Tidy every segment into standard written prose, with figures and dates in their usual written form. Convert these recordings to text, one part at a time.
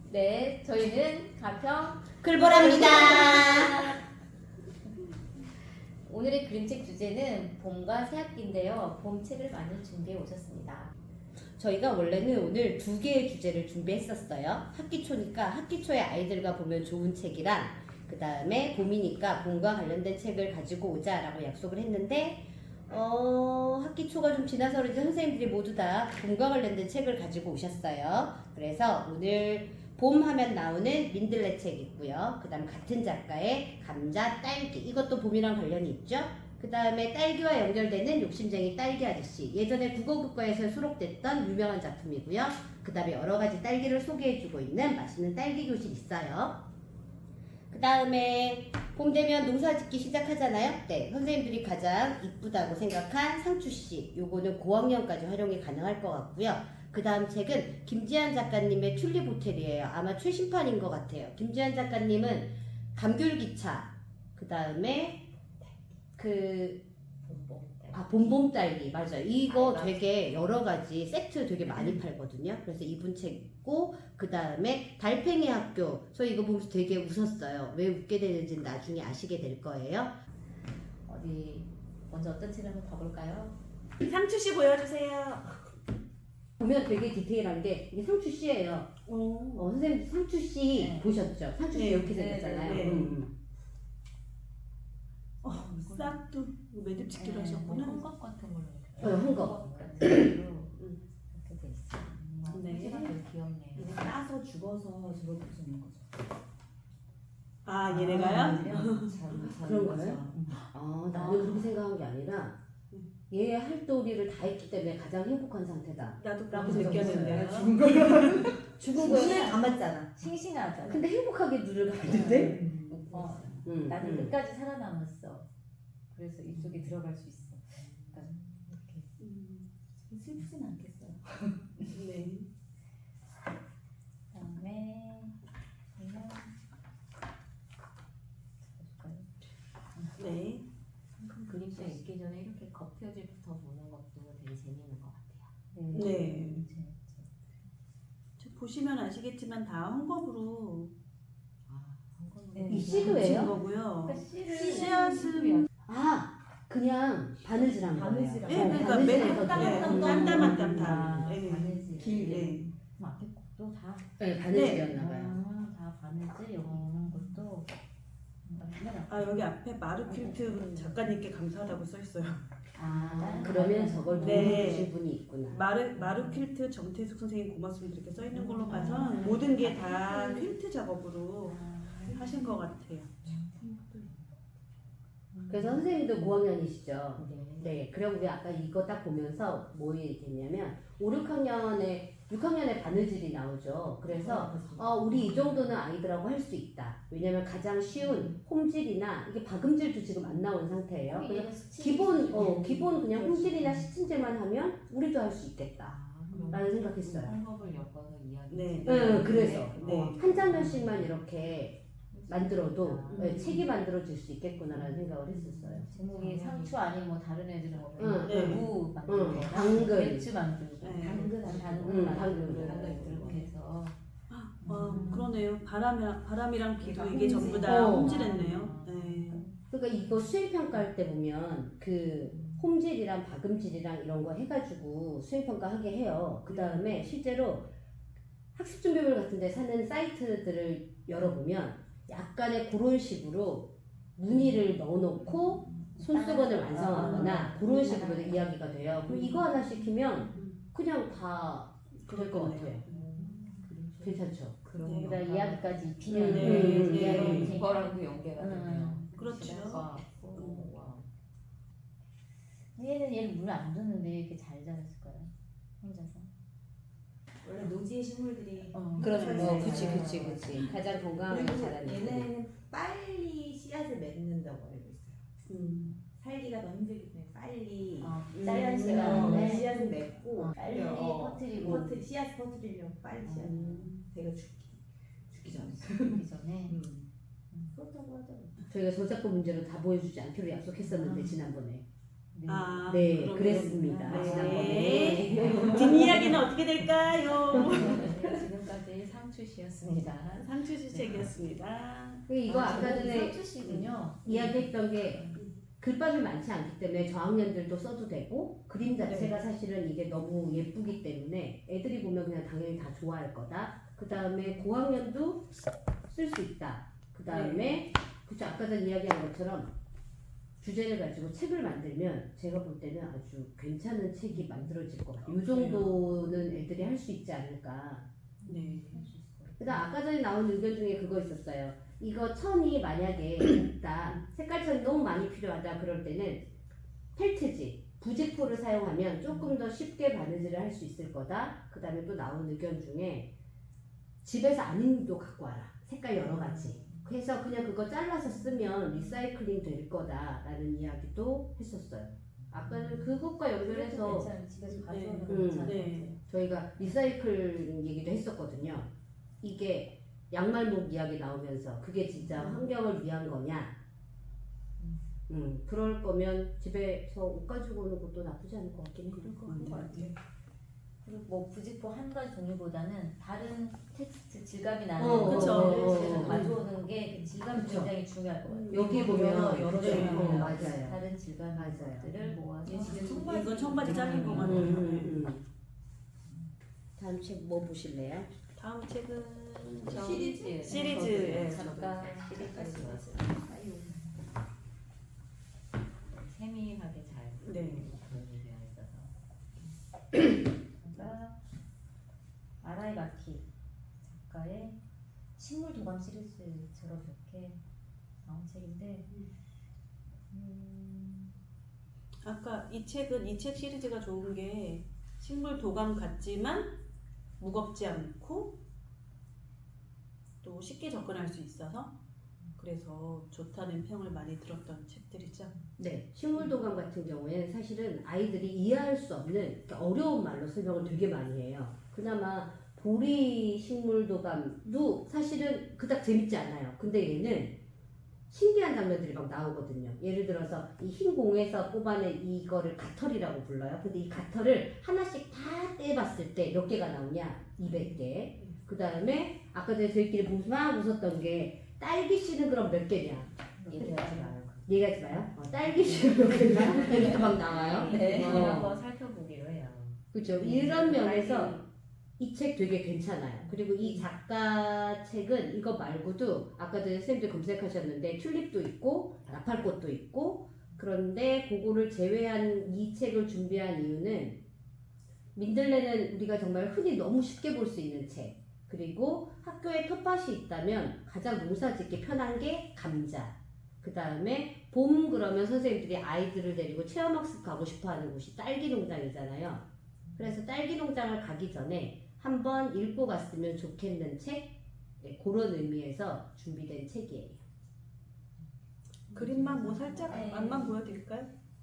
네, 저희는 가평 글보랍니다. 오늘의 그림책 주제는 봄과 새학기인데요. 봄 책을 많이 준비해 오셨습니다. 저희가 원래는 오늘 두 개의 주제를 준비했었어요. 학기초니까 학기초에 아이들과 보면 좋은 책이랑 그 다음에 봄이니까 봄과 관련된 책을 가지고 오자라고 약속을 했는데 학기초가 좀 지나서 이제 선생님들이 모두 다 봄과 관련된 책을 가지고 오셨어요. 그래서 오늘 봄 하면 나오는 민들레 책 있고요. 그 다음 같은 작가의 감자, 딸기 이것도 봄이랑 관련이 있죠. 그 다음에 딸기와 연결되는 욕심쟁이 딸기 아저씨 예전에 국어교과에서 수록됐던 유명한 작품이고요. 그 다음에 여러가지 딸기를 소개해주고 있는 맛있는 딸기 교실 있어요. 그 다음에 봄 되면 농사 짓기 시작하잖아요. 네, 선생님들이 가장 이쁘다고 생각한 상추씨 요거는 고학년까지 활용이 가능할 것 같고요. 그 다음 책은 김지한 작가님의 튤립 호텔이에요. 아마 최신판인 것 같아요. 김지한 작가님은 감귤기차 그 다음에 봄봄 딸기 맞아요. 이거 되게 여러 가지 세트 되게 많이 팔거든요. 그래서 이분 책 있고 그 다음에 달팽이 학교. 저 이거 보면서 되게 웃었어요. 왜 웃게 되는지는 나중에 아시게 될 거예요. 어디 먼저 어떤 책을 한번 봐볼까요? 상추씨 보여주세요. 보면 되게 디테일한 게 이게 상추 씨예요. 선생님 상추 씨 네. 보셨죠? 상추 씨 네. 이렇게 네, 생겼잖아요. 네. 싹도 매듭 짓기로 하셨구나. 헝겊 같은 걸로 헝겊. 같은 걸로 이렇게 돼 있어요. 네. 소재가 되게 귀엽네요. 이제 따서 죽어서 집어 붙이는 거죠. 아 얘네가요? 그런 거예요? 나는 그렇게 생각한 게 아니라 얘의 할도리를 다 했기 때문에 가장 행복한 상태다. 나도 라고 그렇게 느꼈는데요. 죽은 손에 거야. 감았잖아. 싱싱하잖아. 근데 행복하게 눈을 감는데? 나는 끝까지 살아남았어. 그래서 입속에 들어갈 수 있어. 약간 이렇게 슬프진 않겠어요. 네. 그다음에 보면 네. 그림책 읽기 전에 이렇게 겉표지부터 보는 것도 되게 재미있는 것 같아요. 네. 재밌죠. 저 보시면 아시겠지만 다 헝겊으로 네. 이 붙인 씨도예요? 거고요. 그러니까 씨를 씨앗은 그냥 바느질한 거예요. 바느질한 예, 거. 그러니까 바느질해서 한 땀 한 땀 다. 바느질. 길. 그럼 앞에 곡도 다. 네, 바느질이었나 봐요. 다 바느질 이런 것도. 아 여기 앞에 마르퀼트 작가님께 감사하다고 써 있어요. 그러면 저걸 네. 도와주신 분이 있구나. 마르퀼트 정태숙 선생님 고맙습니다 이렇게 써 있는 걸로 봐서 모든 게 다 퀼트 작업으로 하신 것 같아요. 그래서 선생님도 고학년이시죠? 네. 네, 그리고 우리 아까 이거 딱 보면서 뭐 얘기했냐면 5, 6학년에 바느질이 나오죠. 그래서 우리 이 정도는 아이들하고 할 수 있다. 왜냐면 가장 쉬운 홈질이나 이게 박음질도 지금 안 나온 상태예요. 그래서 기본 그냥 홈질이나 시침질만 하면 우리도 할 수 있겠다. 라는 생각했어요. 헝겊을 엮어서 이야기. 네. 그래서 네. 한 장면씩만 이렇게 만들어도 네. 책이 만들어질 수 있겠구나라는 생각을 했었어요. 제목이 상추 아니면 뭐 다른 애들은 뭐 네. 무 만들고 당근. 배추 만들고 네. 당근 당근. 만들고 이렇게 해서 그러네요. 바람이랑 비도 이게 홈질. 전부 다 어. 홈질했네요. 네. 그러니까 이거 수행평가할 때 보면 그 홈질이랑 박음질이랑 이런 거 해가지고 수행평가 하게 해요. 그 다음에 실제로 학습준비물 같은 데 사는 사이트들을 열어보면 약간의 그런 식으로 무늬를 넣어놓고 손수건을 완성하거나 그런 식으로 이야기가 돼요. 그리고 이거 하나 시키면 그냥 다 될 것 같아요. 괜찮죠? 네. 그다음 이야기까지 입히면 네. 이거랑도 연계가 되네요. 그렇죠. 얘는 물을 안 줬는데 왜 이렇게 잘 자랐을까요? 혼자서. 원래 노지의 식물들이 그렇죠. 그치. 가장 건강하게 그리고 자라는 얘네는 빨리 씨앗을 맺는다고 알고 있어요. 살기가 더 힘들기 때문에 빨리 짧은 음. 시간에 씨앗을 맺고 빨리 퍼뜨리고 씨앗 퍼뜨리려면 빨리 씨앗 제가 죽기 전에 그 전에 그렇다고 하더라고요. 저희가 저작권 문제로 다 보여주지 않기로 약속했었는데 지난번에 아, 네 그러면- 그랬습니다. 네. 지난번에 뒷이야기는 어떻게 될까요? 지금까지 상추씨였습니다. 상추씨 책이었습니다. 이거 아까 전에 상추씨군요. 이야기했던 게 글밥이 많지 않기 때문에 저학년들도 써도 되고 그림 자체가 사실은 이게 너무 예쁘기 때문에 애들이 보면 그냥 당연히 다 좋아할 거다. 그 다음에 고학년도 쓸 수 있다. 그 다음에 그쵸 아까 전 이야기한 것처럼 주제를 가지고 책을 만들면 제가 볼 때는 아주 괜찮은 책이 만들어질 것 같아요. 이 정도는 애들이 할 수 있지 않을까. 네. 그다음 아까 전에 나온 의견 중에 그거 있었어요. 이거 천이 만약에 없다, 색깔천이 너무 많이 필요하다 그럴 때는 펠트지, 부직포를 사용하면 조금 더 쉽게 바느질을 할 수 있을 거다. 그 다음에 또 나온 의견 중에 집에서 아닌도 갖고 와라. 색깔 여러 가지. 그래서 그냥 그거 잘라서 쓰면 리사이클링 될 거다라는 이야기도 했었어요. 아까는 그것과 연결해서 집에서 가져오는 거 네. 괜찮아요. 네. 저희가 리사이클링 얘기도 했었거든요. 이게 양말목 이야기 나오면서 그게 진짜 환경을 위한 거냐? 그럴 거면 집에서 옷 가지고 오는 것도 나쁘지 않을 것 같긴 해요. 그럴 것 같아요. 그리고 뭐 부직포 한 가지 종류보다는 다른 텍스트 질감이 나는 그쵸. 것들을 집에서 가져오는 게 그 질감이 그쵸. 굉장히 중요할 것 같아요. 여기 보면 여러 그쵸. 종류의 맞아요. 다른 질감의 맞아요. 것들을 모아서 이건 청바지 잘린 거 같아요. 다음 책 뭐 보실래요? 다음 책은 시리즈 시리즈예요. 작가 시리즈 세밀하게 잘 네. 정리되어 있어서 작가 아라이 마키 작가의 식물 도감 시리즈처럼 이렇게 나온 책인데 아까 이 책은 이 책 시리즈가 좋은 게 식물 도감 같지만 무겁지 않고 또 쉽게 접근할 수 있어서 그래서 좋다는 평을 많이 들었던 책들이죠. 네, 식물도감 같은 경우에는 사실은 아이들이 이해할 수 없는 어려운 말로 설명을 되게 많이 해요. 그나마 보리 식물도감도 사실은 그닥 재밌지 않아요. 근데 얘는 신기한 장면들이 막 나오거든요. 예를 들어서 이 흰 공에서 뽑아낸 이거를 가털이라고 불러요. 근데 이 가털을 하나씩 다 떼봤을 때 몇 개가 나오냐? 200개. 그 다음에 아까 전에 저희끼리 보면서 막 웃었던 게 딸기 씨는 그럼 몇 개냐? 얘기하지 마요. 얘기하지 마요. 딸기 씨는 몇 개냐? 이렇게 막 나와요. 네, 어. 한번 살펴보기로 해요. 그죠. 이런 면에서 이 책 되게 괜찮아요. 그리고 이 작가 책은 이거 말고도 아까 전에 선생님도 검색하셨는데 튤립도 있고 나팔꽃도 있고 그런데 그거를 제외한 이 책을 준비한 이유는 민들레는 우리가 정말 흔히 너무 쉽게 볼 수 있는 책 그리고 학교에 텃밭이 있다면 가장 농사 짓기 편한 게 감자 그 다음에 봄 그러면 선생님들이 아이들을 데리고 체험학습 가고 싶어하는 곳이 딸기 농장이잖아요. 그래서 딸기 농장을 가기 전에 한번 읽고 갔으면 좋겠는 책 네, 그런 의미에서 준비된 책이에요. 그림만 뭐 살짝 네. 맛만 보여드릴까요?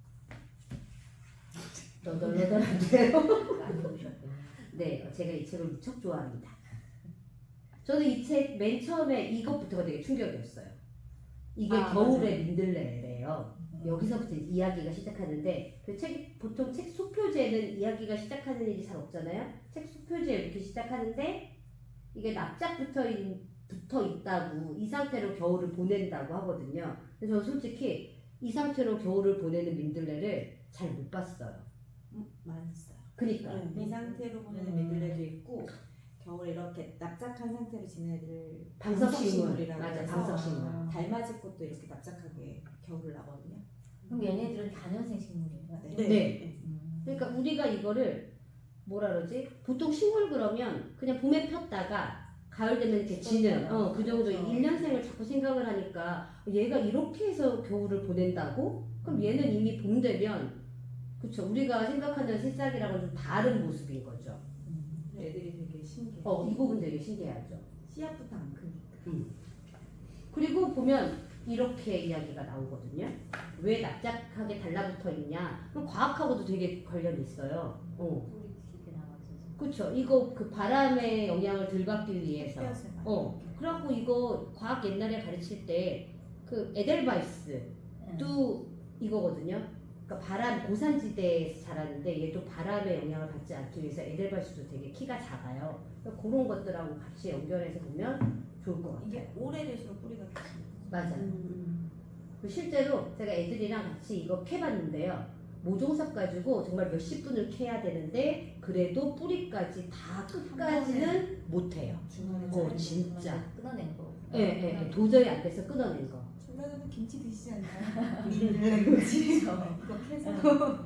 너덜너덜한데요? 많이 보셨군요. 네, 제가 이 책을 무척 좋아합니다. 저는 이 책 맨 처음에 이것부터가 되게 충격이었어요. 이게 겨울의 민들레래요. 여기서부터 이야기가 시작하는데 그 책 보통 책 소표지에는 이야기가 시작하는 일이 잘 없잖아요. 책 소표지에 이렇게 시작하는데 이게 납작 붙어 있다고 이 상태로 겨울을 보낸다고 하거든요. 근데 저 솔직히 이 상태로 겨울을 보내는 민들레를 잘 못 봤어요. 많이 있어요. 그니까 네. 이 상태로 보내는 민들레도 있고 겨울에 이렇게 납작한 상태로 지내는 애들 방석식물 방석식물이라고 맞아 해서 방석식물. 달맞이 꽃도 이렇게 납작하게 겨울을 나거든요. 그럼 얘네들은 다년생 식물이에요? 네. 네. 그러니까 우리가 이거를 뭐라 그러지? 보통 식물 그러면 그냥 봄에 폈다가 가을 되면 이렇게 지는 그 정도 그렇죠. 1년생을 자꾸 생각을 하니까 얘가 이렇게 해서 겨울을 보낸다고? 그럼 얘는 이미 봄 되면 그쵸 우리가 생각하는 새싹이랑은 좀 다른 모습인 거죠. 애들이 되게 신기해. 이 부분 되게 신기하죠. 씨앗부터 안 크니까. 그리고 보면 이렇게 이야기가 나오거든요. 왜 납작하게 달라붙어 있냐? 그럼 과학하고도 되게 관련이 있어요. 뿌리 길게 나와서 그쵸. 이거 그 바람의 영향을 덜 받기 위해서. 햇볕을 많이 그래갖고 이거 과학 옛날에 가르칠 때 그 에델바이스도 이거거든요. 그러니까 바람 고산지대에서 자라는데 얘도 바람의 영향을 받지 않기 위해서 에델바이스도 되게 키가 작아요. 그러니까 그런 것들하고 같이 연결해서 보면 좋을 것 같아요. 이게 오래될수록 뿌리가 크지. 맞아요. 실제로 제가 애들이랑 같이 이거 캐봤는데요. 모종삽 가지고 정말 몇십 분을 캐야 되는데 그래도 뿌리까지 다 끝까지는 못해요. 중간에 진짜. 끊어낸 거. 예, 도저히 안 돼서 끊어낸 거. 중간에도 김치 드시지 않나요? 밀레김치 이거 캐서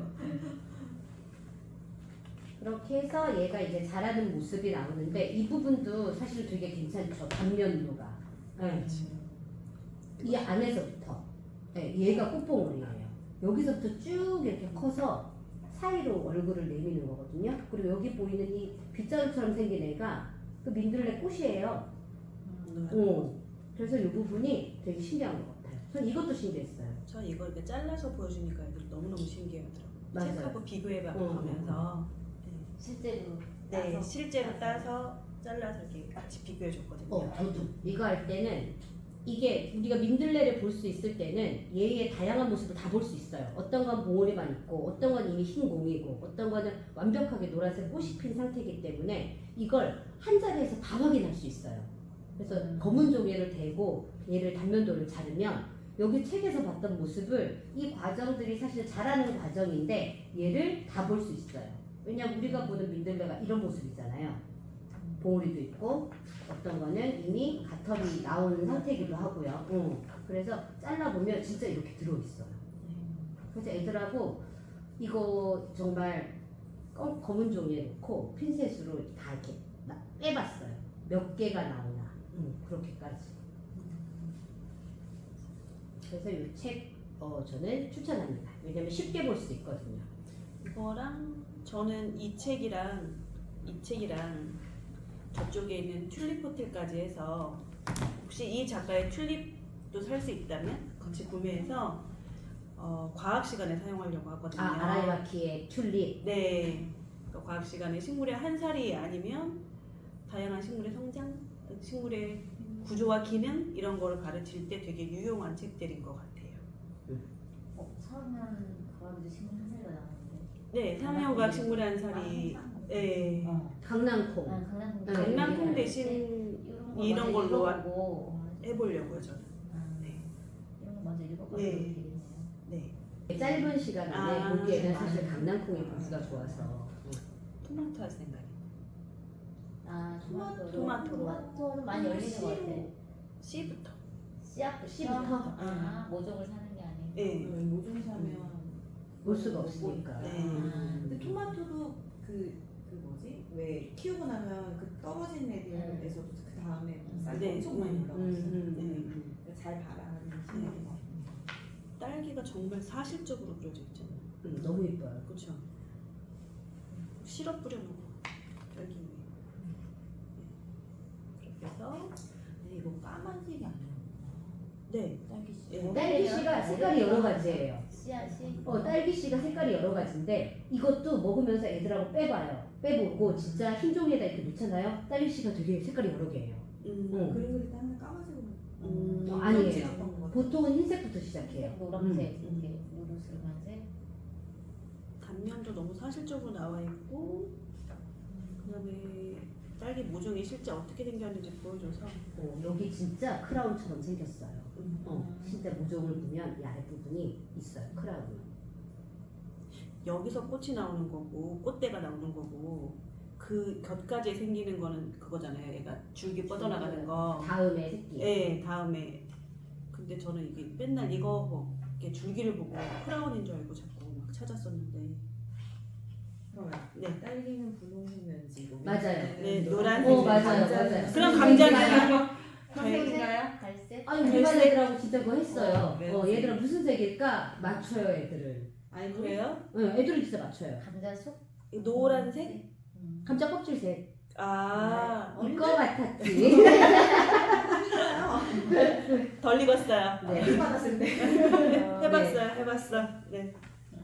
그렇게 해서 얘가 이제 자라는 모습이 나오는데 이 부분도 사실 되게 괜찮죠. 단면도가. 예. 이 안에서부터 얘가 꽃봉오리예요. 여기서부터 쭉 이렇게 커서 사이로 얼굴을 내미는 거거든요. 그리고 여기 보이는 이 빗자루처럼 생긴 애가 그 민들레 꽃이에요. 그래서 이 부분이 되게 신기한 것 같아요. 전 이것도 신기했어요. 저 이거 이렇게 잘라서 보여주니까 애들이 너무너무 신기하더라고요. 맞아요. 책하고 비교해가면서 실제로 네, 따서 실제로 따서 잘라서 이렇게 같이 비교해줬거든요. 저도 이거 할 때는 이게 우리가 민들레를 볼 수 있을 때는 얘의 다양한 모습을 다 볼 수 있어요. 어떤 건 봉오리만 있고 어떤 건 이미 흰 공이고 어떤 거는 완벽하게 노란색 꽃이 핀 상태이기 때문에 이걸 한 자리에서 다 확인할 수 있어요. 그래서 검은 종이를 대고 얘를 단면도를 자르면 여기 책에서 봤던 모습을 이 과정들이 사실 자라는 과정인데 얘를 다 볼 수 있어요. 왜냐면 우리가 보는 민들레가 이런 모습이잖아요. 봉오리도 있고 어떤 거는 이미 가털이 나온 상태이기도 하고요. 그래서 잘라보면 진짜 이렇게 들어있어요. 그래서 애들하고 이거 정말 검은 종이에 놓고 핀셋으로 다 이렇게 빼봤어요. 몇 개가 나오나 그렇게까지. 그래서 이 책 저는 추천합니다. 왜냐면 쉽게 볼 수 있거든요. 이거랑 저는 이 책이랑 저쪽에 있는 튤립 호텔까지 해서 혹시 이 작가의 튤립도 살 수 있다면 같이 구매해서 과학 시간에 사용하려고 하거든요. 아라이와키의 튤립. 네. 그러니까 과학 시간에 식물의 한 살이 아니면 다양한 식물의 성장, 식물의 구조와 기능 이런 거를 가르칠 때 되게 유용한 책들인 것 같아요. 처음엔 과학에도 식물 한 살이가 나오는데. 네, 상형과학 식물의 한 살이 네. 강낭콩. 강낭콩 대신 이런 걸로 하고 해보려고요 저는. 네. 이런 거 먼저 읽어봐도 네. 되겠네요. 네. 짧은 시간 안에 보기에는 아. 사실 강낭콩이 보기가 좋아서. 토마토 할 생각이. 토마토는 많이 열리는 것 같아. 씨부터. 씨부터? 모종을 사는 게 아니고. 네. 모종 사면 볼 수가 없으니까. 네. 근데 토마토도 그 뭐지? 왜 키우고 나면 그 떨어진 애들에서도 그 다음에 쌀이 네. 엄청 많이 올라왔어요. 네. 잘 바라는 신경이 네. 딸기가 정말 사실적으로 그려져 있잖아요. 너무 예뻐요. 그렇죠. 시럽 뿌려놓고 딸기 위에. 그렇게 해서 근데 이거 까만색이 아니에요. 네. 딸기 씨. 네. 딸기 씨가 색깔이 여러 가지예요. 씨앗이? 딸기 씨가 색깔이 여러 가지인데 이것도 먹으면서 애들하고 빼봐요. 빼보고 진짜 흰 종이에다 이렇게 놓잖아요. 딸기 씨가 되게 색깔이 여러 개예요. 그림 그릴 때 항상 까만색으로. 아니에요. 보통은 흰색부터 시작해요. 노란색, 이렇게 노르스름한색. 단면도 너무 사실적으로 나와 있고 그다음에 딸기 모종이 실제 어떻게 생겼는지 보여줘서 여기 진짜 크라운처럼 생겼어요. 진짜 모종을 보면 이 아랫부분이 있어요. 크라운이. 여기서 꽃이 나오는 거고 꽃대가 나오는 거고 그 곁까지 생기는 거는 그거잖아요. 얘가 줄기 뻗어나가는 거. 다음에 새끼. 네, 다음에. 근데 저는 이게 맨날 이거 이렇게 줄기를 보고 크라운인 줄 알고 자꾸 막 찾았었는데. 네. 딸기는 분홍색 면지고. 맞아요. 네, 노란색. 맞아요. 그럼 감자는 갈색인가요? 갈색? 아니 우리 반 애들하고 진짜 그거 했어요. 네. 얘들아 무슨 색일까 맞춰요 애들을. 아니 그래요? 애들은 진짜 맞춰요. 감자속? 노란색? 감자 껍질색. 아, 이거 같았지. 덜 익었어요. 네. 받았을 때. 해봤어. 네.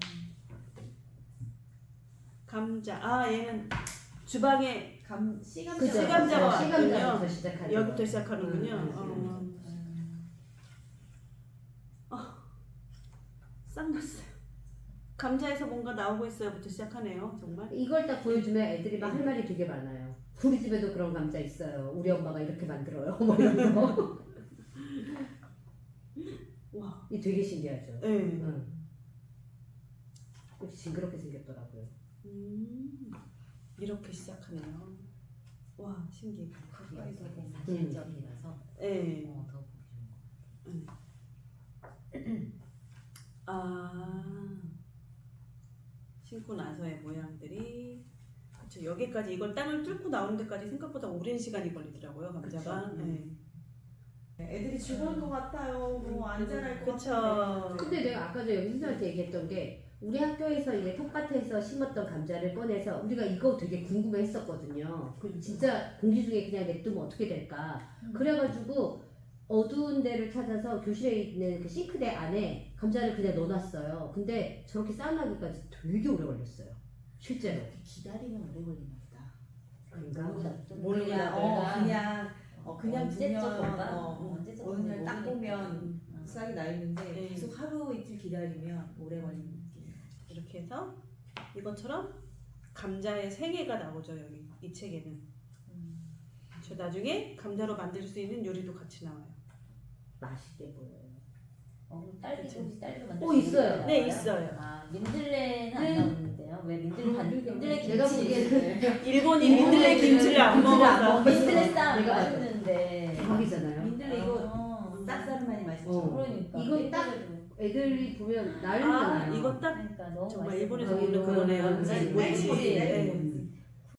감자. 얘는 주방에 시감자. 그죠. 시감자가 시감자부터 시작하는 여기부터 거. 시작하는군요. 싹 났어요. 감자에서 뭔가 나오고 있어요부터 시작하네요. 정말. 이걸 딱 보여주면 애들이 막 할 말이 되게 많아요. 우리 집에도 그런 감자 있어요. 우리 엄마가 이렇게 만들어요. 뭐 이런 거. 와. 이 되게 신기하죠. 네. 응. 징그럽게 생겼더라고요. 이렇게 시작하네요. 와 신기해. 가까이서 보면 사실적이라서 네. 더 보기 좋은 것 아 신고 나서의 모양들이 그렇죠. 여기까지 이걸 땅을 뚫고 나오는 데까지 생각보다 오랜 시간이 걸리더라고요. 감자가. 그쵸. 네. 애들이 죽을 것 같아요. 뭐 안 자랄 것 그쵸. 같아요. 근데 내가 아까 전에 선생님한테 얘기했던 게 우리 학교에서 이제 텃밭에서 심었던 감자를 꺼내서 우리가 이거 되게 궁금해했었거든요. 진짜 공기 중에 그냥 냅두면 어떻게 될까? 그래가지고 어두운 데를 찾아서 교실에 있는 그 싱크대 안에 감자를 그냥 넣어놨어요. 근데 저렇게 쌓아나기까지 되게 오래 걸렸어요. 실제로. 기다리면 오래 걸리나 보다. 그런가? 모르냐 그냥 언제적 두면 볼까? 언제적 어느 날 딱 모르니까. 보면 싹이 나 있는데 네. 계속 하루 이틀 기다리면 오래 걸리는 느낌. 이렇게 해서 이것처럼 감자의 생애가 나오죠. 여기 이 책에는. 저 나중에 감자로 만들 수 있는 요리도 같이 나와요. 맛있게 보여요. 딸기 그쵸. 혹시 딸기로 만들 오, 수 있는 있어요. 거 네, 나와요? 있어요. 아 민들레는 네. 안 나오는데요. 왜 민들레 내가 김치? 보기에는 일본이 민들레 김치를 안 먹어서. 민들레 쌈 내가 맛있는데. 대박이잖아요. 민들레 이거 아, 쌉싸름하니 맛있죠. 어. 그러니까 이건 딱 민들레도. 애들이 보면 아 난리잖아요. 이거 딱 그러니까 너무 정말 맛있어 일본에서 보여요. 먹는 그거네요. 네, 모찌. 네. 네.